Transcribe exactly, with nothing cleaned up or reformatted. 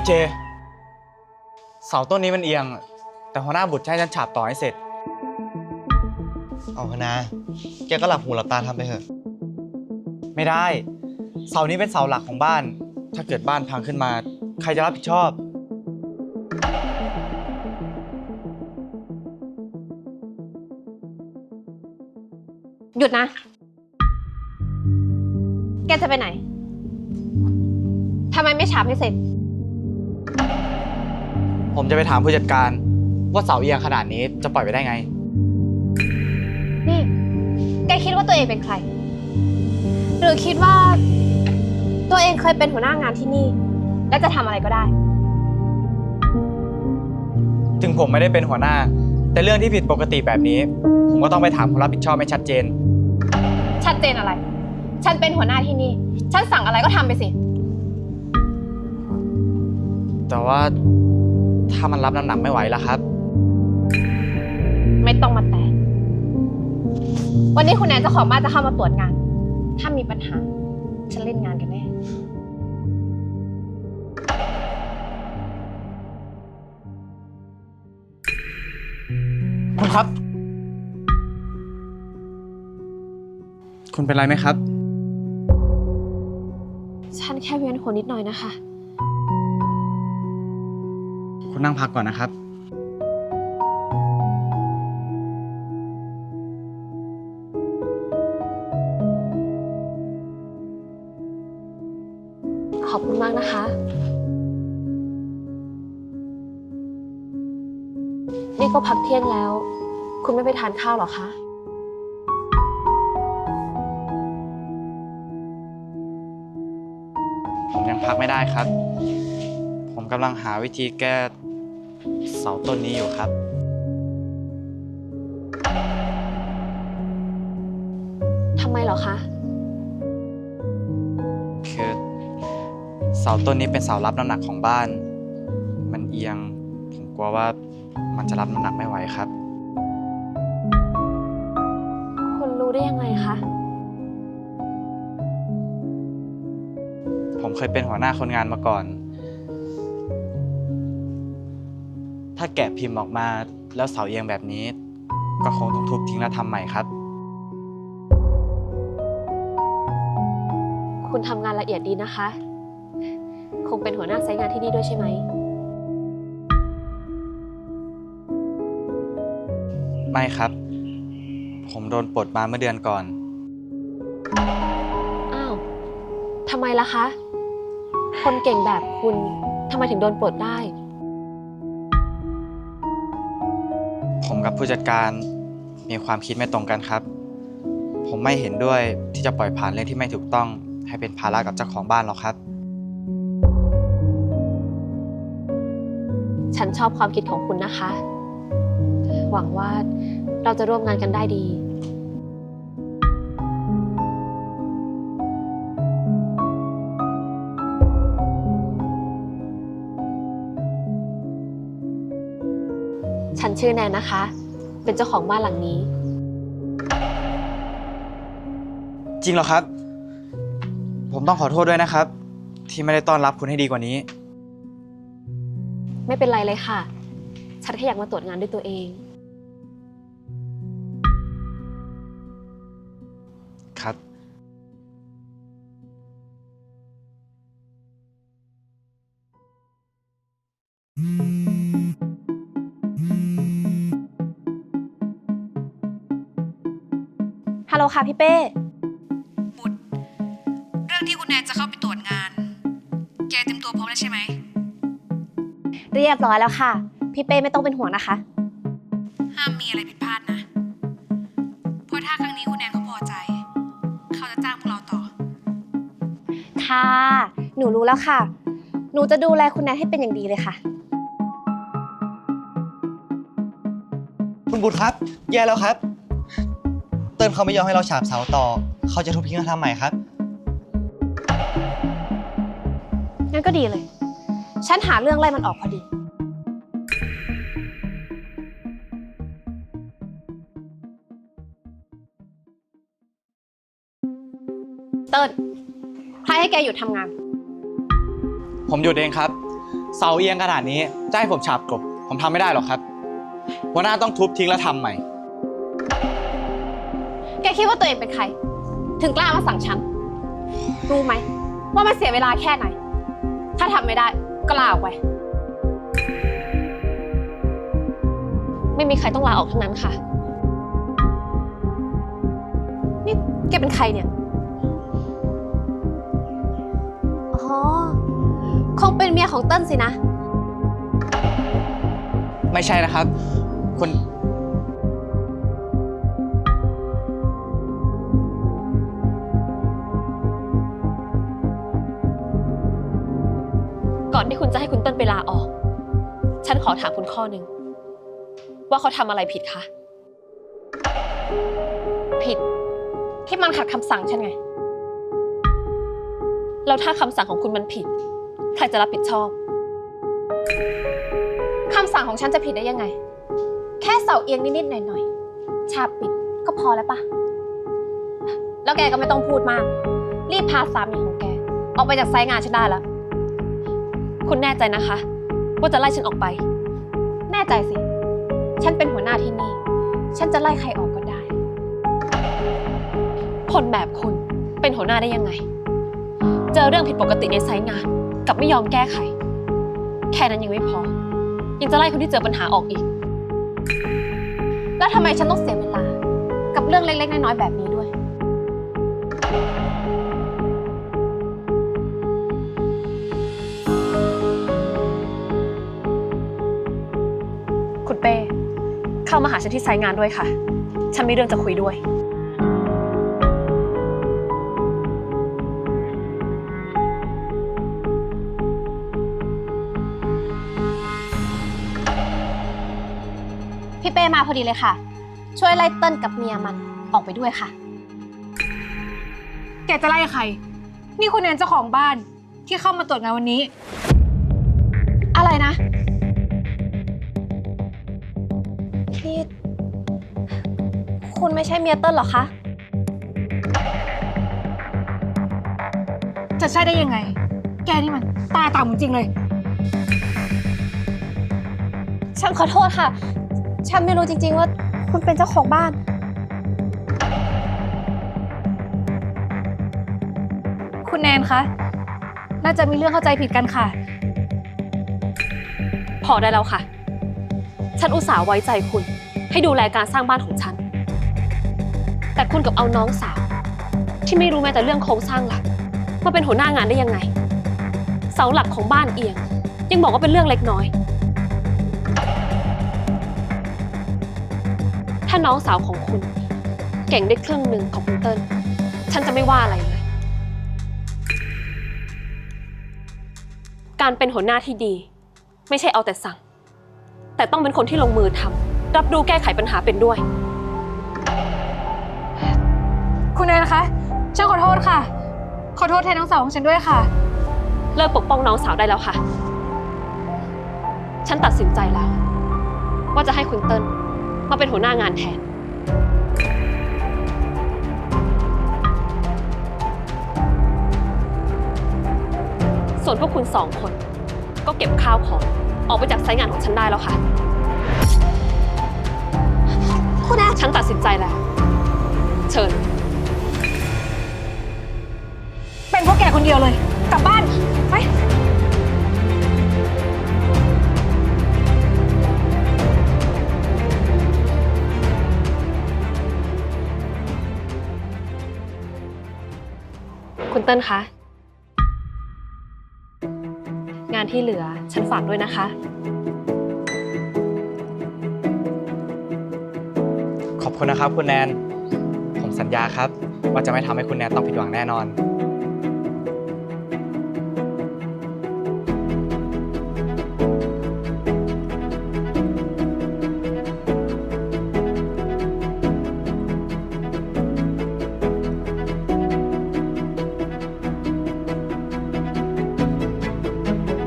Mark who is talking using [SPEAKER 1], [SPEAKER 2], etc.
[SPEAKER 1] เจเสาต้นนี้มันเอียงแต่หัวหน้าบุตรให้ฉันฉาบต่อให้เสร็จ
[SPEAKER 2] เอาคณะแกก็หลับหูหลับตาทำไปเถอะ
[SPEAKER 1] ไม่ได้เสานี้เป็นเสาหลักของบ้านถ้าเกิดบ้านพังขึ้นมาใครจะรับผิดชอบ
[SPEAKER 3] หยุดนะแกจะไปไหนทำไมไม่ฉาบให้เสร็จ
[SPEAKER 1] ผมจะไปถามผู้จัดการว่าเสาเอียงขนาดนี้จะปล่อยไปได้ไง
[SPEAKER 3] นี่แกคิดว่าตัวเองเป็นใครหรือคิดว่าตัวเองเคยเป็นหัวหน้างานที่นี่และจะทำอะไรก็ได้
[SPEAKER 1] ถึงผมไม่ได้เป็นหัวหน้าแต่เรื่องที่ผิดปกติแบบนี้ผมก็ต้องไปถามคนรับผิดชอบให้ชัดเจน
[SPEAKER 3] ชัดเจนอะไรฉันเป็นหัวหน้าที่นี่ฉันสั่งอะไรก็ทำไปสิ
[SPEAKER 1] แต่ว่าถ้ามันรับน้ำหนักไม่ไหวแล้วครับ
[SPEAKER 3] ไม่ต้องมาแตะวันนี้คุณแนนเจ้าของบ้านจะเข้ามาตรวจงานถ้ามีปัญหาฉันเล่นงานกันแน่
[SPEAKER 1] คุณครับคุณเป็นไรไหมครับ
[SPEAKER 3] ฉันแค่เวียนหัวนิดหน่อยนะคะ
[SPEAKER 1] คุณนั่งพักก่อนนะครับ
[SPEAKER 3] ขอบคุณมากนะคะนี่ก็พักเที่ยงแล้วคุณไม่ไปทานข้าวหรอคะ
[SPEAKER 1] ผมยังพักไม่ได้ครับผมกำลังหาวิธีแก้เสาต้นนี้อยู่ครับ
[SPEAKER 3] ทำไมเหรอคะ
[SPEAKER 1] คือเสาต้นนี้เป็นเสารับน้ำหนักของบ้านมันเอียงผมกลัวว่ามันจะรับน้ำหนักไม่ไหวครับ
[SPEAKER 3] คุณรู้ได้ยังไงคะ
[SPEAKER 1] ผมเคยเป็นหัวหน้าคนงานมาก่อนถ้าแกะพิมพ์ออกมาแล้วเสาเอียงแบบนี้ก็คงต้องทุบทิ้งแล้วทำใหม่ครับ
[SPEAKER 3] คุณทำงานละเอียดดีนะคะคงเป็นหัวหน้าไซต์งานที่นี่ด้วยใช่ไหม
[SPEAKER 1] ไม่ครับผมโดนปลดมาเมื่อเดือนก่อน
[SPEAKER 3] อ้าวทำไมล่ะคะคนเก่งแบบคุณทำไมถึงโดนปลดได้
[SPEAKER 1] ผมกับผู้จัดการมีความคิดไม่ตรงกันครับผมไม่เห็นด้วยที่จะปล่อยผ่านเรื่องที่ไม่ถูกต้องให้เป็นภาระกับเจ้าของบ้านหรอกครับ
[SPEAKER 3] ฉันชอบความคิดของคุณนะคะหวังว่าเราจะร่วมงานกันได้ดีฉันชื่อแนนนะคะเป็นเจ้าของบ้านหลังนี้
[SPEAKER 1] จริงเหรอครับผมต้องขอโทษด้วยนะครับที่ไม่ได้ต้อนรับคุณให้ดีกว่านี้
[SPEAKER 3] ไม่เป็นไรเลยค่ะฉันแค่อยากมาตรวจงานด้วยตัวเอง
[SPEAKER 1] ครับ
[SPEAKER 3] ฮัลโหลค่ะพี่เป้
[SPEAKER 4] บุตรเรื่องที่คุณแนนจะเข้าไปตรวจงานแกเตรียมตัวพร้อมแล้วใช่ไหม
[SPEAKER 3] เรียบร้อยแล้วค่ะพี่เป้ไม่ต้องเป็นห่วงนะคะ
[SPEAKER 4] ห้ามมีอะไรผิดพลาดนะเพราะถ้าครั้งนี้คุณแนนเขาพอใจเขาจะจ้างพวกเราต่อ
[SPEAKER 3] ค่ะหนูรู้แล้วค่ะหนูจะดูแลคุณแนนให้เป็นอย่างดีเลยค่ะ
[SPEAKER 2] คุณบุตรครับแย่แล้วครับเติ้ลเขาไม่ยอมให้เราฉาบเสาต่อเขาจะทุบทิ้งแล้วทำใหม่ครับ
[SPEAKER 3] งั้นก็ดีเลยฉันหาเรื่องไล่มันออกพอดีเติ้ลใครให้แกหยุดทำงาน
[SPEAKER 1] ผมหยุดเองครับเสาเอียงขนาดนี้จะให้ผมฉาบกลบผมทำไม่ได้หรอกครับหัวหน้าต้องทุบทิ้งแล้วทำใหม่
[SPEAKER 3] แกคิดว่าตัวเองเป็นใคร ถึงกล้ามาสั่งฉัน รู้ไหมว่ามันเสียเวลาแค่ไหน ถ้าทำไม่ได้ก็ลาออกไป
[SPEAKER 5] ไม่มีใครต้องลาออกทั้งนั้นค่ะ
[SPEAKER 3] นี่แกเป็นใครเนี่ย อ๋อ คงเป็นเมียของเติ้ลสินะ
[SPEAKER 1] ไม่ใช่นะครับคุณ
[SPEAKER 5] ก่อนที่คุณจะให้คุณเติ้ลไปลาออก ฉันขอถามคุณข้อหนึ่งว่าเขาทำอะไรผิดคะ
[SPEAKER 3] ผิด ที่มันขัดคำสั่งฉันไง
[SPEAKER 5] แล้วถ้าคำสั่งของคุณมันผิด ใครจะรับผิดชอบ
[SPEAKER 3] คำสั่งของฉันจะผิดได้ยังไง แค่เสาเอียงนิดๆหน่อยๆ ฉาบปิดก็พอแล้วปะ แล้วแกก็ไม่ต้องพูดมาก รีบพาสามีของแก ออกไปจากไซต์งานฉันได้แล้ว
[SPEAKER 5] คุณแน่ใจนะคะ ว่าจะไล่ฉันออกไป
[SPEAKER 3] แน่ใจสิ ฉันเป็นหัวหน้าที่นี่ ฉันจะไล่ใครออกก็ได้
[SPEAKER 5] คนแบบคุณเป็นหัวหน้าได้ยังไง เจอเรื่องผิดปกติในไซต์งานกับไม่ยอมแก้ไข แค่นั้นยังไม่พอ ยังจะไล่คนที่เจอปัญหาออกอีก
[SPEAKER 3] แล้วทำไมฉันต้องเสียเวลา กับเรื่องเล็กๆน้อยๆแบบนี้ด้วย
[SPEAKER 5] คุณเป้เข้ามาหาฉันที่ไซต์งานด้วยค่ะ ฉันมีเรื่องจะคุยด้วย
[SPEAKER 3] พี่เป้มาพอดีเลยค่ะ ช่วยไล่เติ้ลกับเมียมันออกไปด้วยค่ะ
[SPEAKER 4] แกจะไล่ใคร นี่คุณแนนเจ้าของบ้านที่เข้ามาตรวจงานวันนี้
[SPEAKER 3] อะไรนะนี่คุณไม่ใช่เมียเติ้ลเหรอคะ
[SPEAKER 4] จะใช่ได้ยังไง แกนี่มันตาต่ำจริงเลย
[SPEAKER 3] ฉันขอโทษค่ะ ฉันไม่รู้จริงๆว่าคุณเป็นเจ้าของบ้าน
[SPEAKER 4] คุณแนนคะ น่าจะมีเรื่องเข้าใจผิดกันค่ะ
[SPEAKER 5] พอได้แล้วค่ะ ฉันอุตส่าห์ไว้ใจคุณ ให้ดูแลการสร้างบ้านของฉัน แต่คุณกับเอาน้องสาว ที่ไม่รู้แม้แต่เรื่องโครงสร้างหลักมาเป็นหัวหน้างานได้ยังไง เสาหลักของบ้านเอียง ยังบอกว่าเป็นเรื่องเล็กน้อย ถ้าน้องสาวของคุณ เก่งได้ครึ่งหนึ่งของคุณเติ้ลฉันจะไม่ว่าอะไรเลย การเป็นหัวหน้าที่ดี ไม่ใช่เอาแต่สั่ง แต่ต้องเป็นคนที่ลงมือทำรับรู้แก้ไขปัญหาเป็นด้วย
[SPEAKER 4] คุณแนนคะ ฉันขอโทษค่ะ ขอโทษแทนน้องสาวของฉันด้วยค่ะ
[SPEAKER 5] เลิกปกป้องน้องสาวได้แล้วค่ะ ฉันตัดสินใจแล้ว ว่าจะให้คุณเติ้ลมาเป็นหัวหน้างานแทน ส่วนพวกคุณสองคน ก็เก็บข้าวของออกไปจากไซต์งานของฉันได้แล้วค่ะ
[SPEAKER 3] คุณแอน
[SPEAKER 5] ฉันตัดสินใจแล้ว เชิญ
[SPEAKER 4] เป็นพวกแกคนเดียวเลย กลับบ้าน ไป
[SPEAKER 5] คุณเติ้ลคะ งานที่เหลือฉันฝากด้วยนะคะ
[SPEAKER 1] ขอบคุณนะครับคุณแนน ผมสัญญาครับ ว่าจะไม่ทำให้คุณแนนต้องผิดหวังแน่นอน